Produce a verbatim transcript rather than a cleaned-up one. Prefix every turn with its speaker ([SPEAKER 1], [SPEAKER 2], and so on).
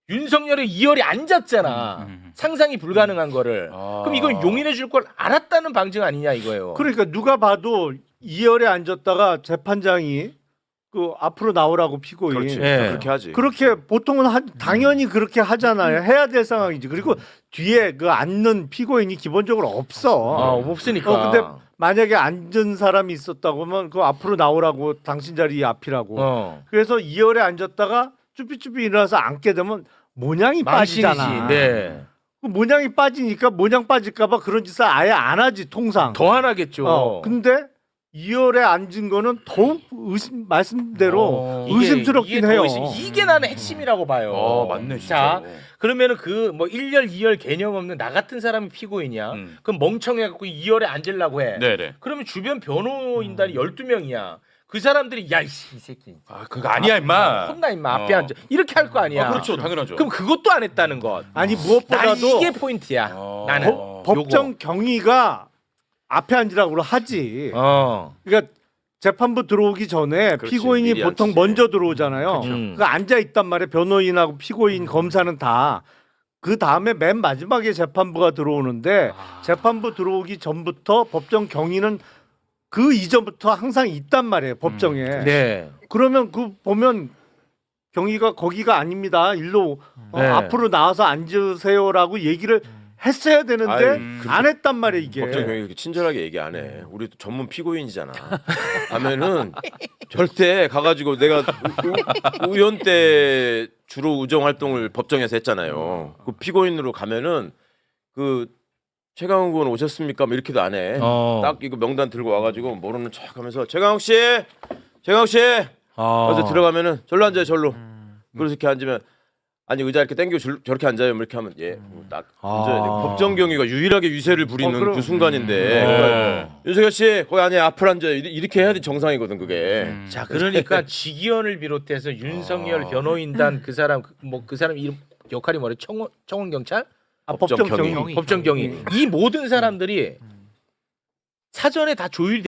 [SPEAKER 1] 윤석열이 이열이 앉았잖아.
[SPEAKER 2] 음, 음.
[SPEAKER 1] 상상이 불가능한 거를.
[SPEAKER 3] 아.
[SPEAKER 1] 그럼 이건 용인해 줄 걸 알았다는 방증 아니냐 이거예요.
[SPEAKER 4] 그러니까 누가 봐도 이열에 앉았다가 재판장이 그 앞으로 나오라고 피고인
[SPEAKER 3] 그렇지.
[SPEAKER 1] 예.
[SPEAKER 3] 그렇게 하지.
[SPEAKER 4] 그렇게 보통은 하, 당연히 그렇게 하잖아요. 해야 될 상황이지. 그리고 뒤에 그 앉는 피고인이 기본적으로 없어.
[SPEAKER 1] 어, 없으니까.
[SPEAKER 4] 어, 근데 만약에 앉은 사람이 있었다고 하면 그 앞으로 나오라고 당신 자리 앞이라고.
[SPEAKER 1] 어.
[SPEAKER 4] 그래서 이열에 앉았다가 쭈삐쭈삐 일어나서 앉게 되면 모양이
[SPEAKER 1] 망신이지.
[SPEAKER 4] 빠지잖아.
[SPEAKER 1] 네.
[SPEAKER 4] 그 모양이 빠지니까 모양 빠질까봐 그런 짓을 아예 안 하지 통상.
[SPEAKER 1] 더 하나겠죠.
[SPEAKER 4] 어, 근데 이열에 앉은 거는 더욱 의심 말씀대로
[SPEAKER 1] 어, 이게-
[SPEAKER 4] 의심스럽긴
[SPEAKER 1] 이게 더
[SPEAKER 4] 해요.
[SPEAKER 1] 의심- 이게 나는 핵심이라고 봐요.
[SPEAKER 3] 어, 맞네 진짜.
[SPEAKER 1] 자, 그러면은 그 뭐 일 열, 이 열 개념 없는 나 같은 사람이 피고인이야.
[SPEAKER 2] 음.
[SPEAKER 1] 그럼 멍청해갖고 이 열에 앉으려고 해.
[SPEAKER 2] 네네.
[SPEAKER 1] 그러면 주변 변호인단이 열두 명이야. 그 사람들이 야, 이 새끼.
[SPEAKER 2] 아 그거 아니야 임마.
[SPEAKER 1] 혼나 임마 앞에
[SPEAKER 2] 어.
[SPEAKER 1] 앉아. 이렇게 할 거 아니야.
[SPEAKER 2] 아, 그렇죠 당연하죠.
[SPEAKER 1] 그럼 그것도 안 했다는 것.
[SPEAKER 4] 아니
[SPEAKER 1] 난
[SPEAKER 4] 무엇보다도
[SPEAKER 1] 이게 포인트야.
[SPEAKER 2] 어.
[SPEAKER 1] 나는.
[SPEAKER 2] 법-
[SPEAKER 4] 법정 경위가 앞에 앉으라고 하지.
[SPEAKER 1] 어.
[SPEAKER 4] 그러니까 재판부 들어오기 전에
[SPEAKER 3] 그렇지,
[SPEAKER 4] 피고인이
[SPEAKER 3] 미리
[SPEAKER 4] 보통
[SPEAKER 3] 앉지.
[SPEAKER 4] 먼저 들어오잖아요.
[SPEAKER 1] 음.
[SPEAKER 4] 그 앉아 있단 말이에요. 변호인하고 피고인, 검사는 다. 그 다음에 맨 마지막에 재판부가 들어오는데
[SPEAKER 1] 아.
[SPEAKER 4] 재판부 들어오기 전부터 법정 경위는 그 이전부터 항상 있단 말이에요. 법정에.
[SPEAKER 1] 네.
[SPEAKER 4] 그러면 그 보면 경위가 거기가 아닙니다. 일로 어,
[SPEAKER 1] 네.
[SPEAKER 4] 앞으로 나와서 앉으세요라고 얘기를 했어야 되는데
[SPEAKER 3] 아유,
[SPEAKER 4] 안 했단 말이에요 이게.
[SPEAKER 3] 법정 경위 그렇게 친절하게 얘기 안 해. 우리 전문 피고인이잖아. 하면은 절대 가가지고 내가 우- 우연 때 주로 우정 활동을 법정에서 했잖아요. 그 피고인으로 가면은 그 최강욱 의원 오셨습니까? 뭐 이렇게도 안 해.
[SPEAKER 1] 어.
[SPEAKER 3] 딱 이거 명단 들고 와가지고 모르는 척하면서 최강욱 씨, 최강욱 씨.
[SPEAKER 1] 어.
[SPEAKER 3] 그래서 들어가면은 절로 앉아요, 절로. 그래서 이렇게 앉으면 아니 의자 이렇게 당기고 줄- 저렇게 앉아요, 뭐 이렇게 하면 예딱 앉아야 돼.
[SPEAKER 1] 아.
[SPEAKER 3] 법정 경위가 유일하게 유세를 부리는
[SPEAKER 4] 어, 그럼-
[SPEAKER 3] 그 순간인데
[SPEAKER 1] 음.
[SPEAKER 3] 그러니까 윤석열 씨 거기 안에 앞을 앉아요. 이리- 이렇게 해야 돼 정상이거든 그게.
[SPEAKER 2] 음.
[SPEAKER 1] 자, 그러니까 지기현을 비롯해서 윤석열
[SPEAKER 3] 아.
[SPEAKER 1] 변호인단 그 사람 뭐 그 사람 이름 역할이 뭐래? 청원 청원 경찰?
[SPEAKER 4] 아,
[SPEAKER 3] 법정
[SPEAKER 4] 법정
[SPEAKER 3] 경위.
[SPEAKER 4] 경위.
[SPEAKER 1] 법정 경위. 이 모든 사람들이 사전에 다 조율